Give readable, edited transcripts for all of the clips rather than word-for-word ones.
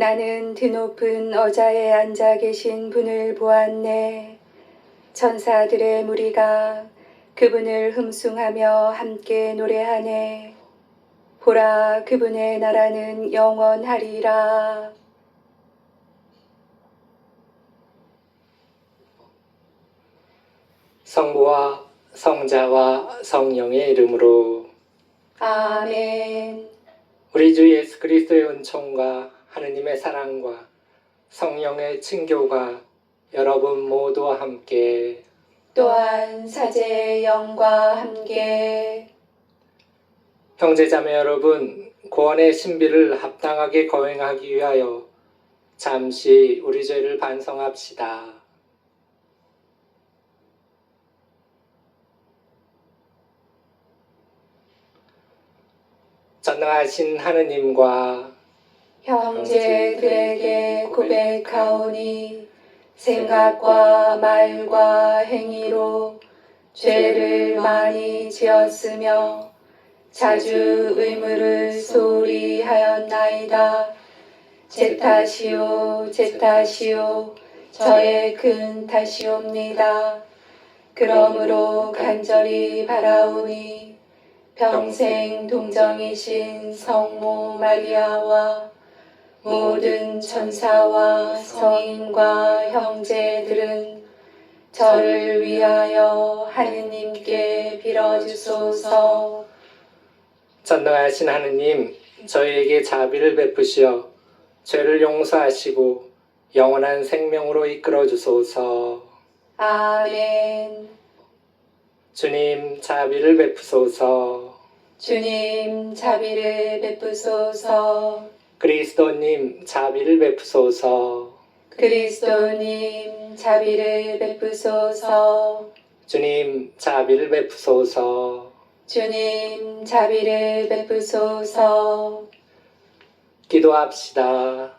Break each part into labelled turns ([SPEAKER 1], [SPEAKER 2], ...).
[SPEAKER 1] 나는 드높은 어자에 앉아 계신 분을 보았네. 천사들의 무리가 그분을 흠숭하며 함께 노래하네. 보라, 그분의 나라는 영원하리라.
[SPEAKER 2] 성부와 성자와 성령의 이름으로
[SPEAKER 1] 아멘.
[SPEAKER 2] 우리 주 예수 그리스도의 은총과 하느님의 사랑과 성령의 친교가 여러분 모두와 함께
[SPEAKER 1] 또한 사제의 영과 함께
[SPEAKER 2] 형제자매 여러분, 구원의 신비를 합당하게 거행하기 위하여 잠시 우리 죄를 반성합시다. 전능하신 하느님과
[SPEAKER 1] 형제들에게 고백하오니 생각과 말과 행위로 죄를 많이 지었으며 자주 의무를 소홀히 하였나이다. 제 탓이요, 제 탓이요, 저의 큰 탓이옵니다. 그러므로 간절히 바라오니 평생 동정이신 성모 마리아와 모든 천사와 성인과 형제들은 저를 위하여 하느님께 빌어주소서.
[SPEAKER 2] 전능하신 하느님, 저희에게 자비를 베푸시어 죄를 용서하시고 영원한 생명으로 이끌어 주소서.
[SPEAKER 1] 아멘.
[SPEAKER 2] 주님, 자비를 베푸소서.
[SPEAKER 1] 주님, 자비를 베푸소서.
[SPEAKER 2] 그리스도님, 자비를 베푸소서.
[SPEAKER 1] 그리스도님, 자비를 베푸소서.
[SPEAKER 2] 주님, 자비를 베푸소서.
[SPEAKER 1] 주님, 자비를 베푸소서.
[SPEAKER 2] 기도합시다.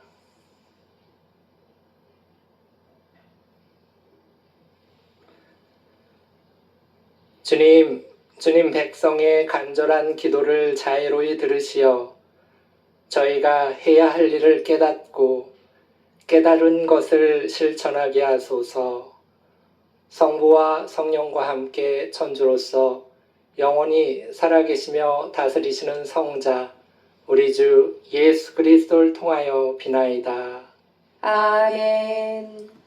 [SPEAKER 2] 주님 백성의 간절한 기도를 자애로이 들으시어 저희가 해야 할 일을 깨닫고 깨달은 것을 실천하게 하소서. 성부와 성령과 함께 천주로서 영원히 살아계시며 다스리시는 성자 우리 주 예수 그리스도를 통하여 비나이다.
[SPEAKER 1] 아멘.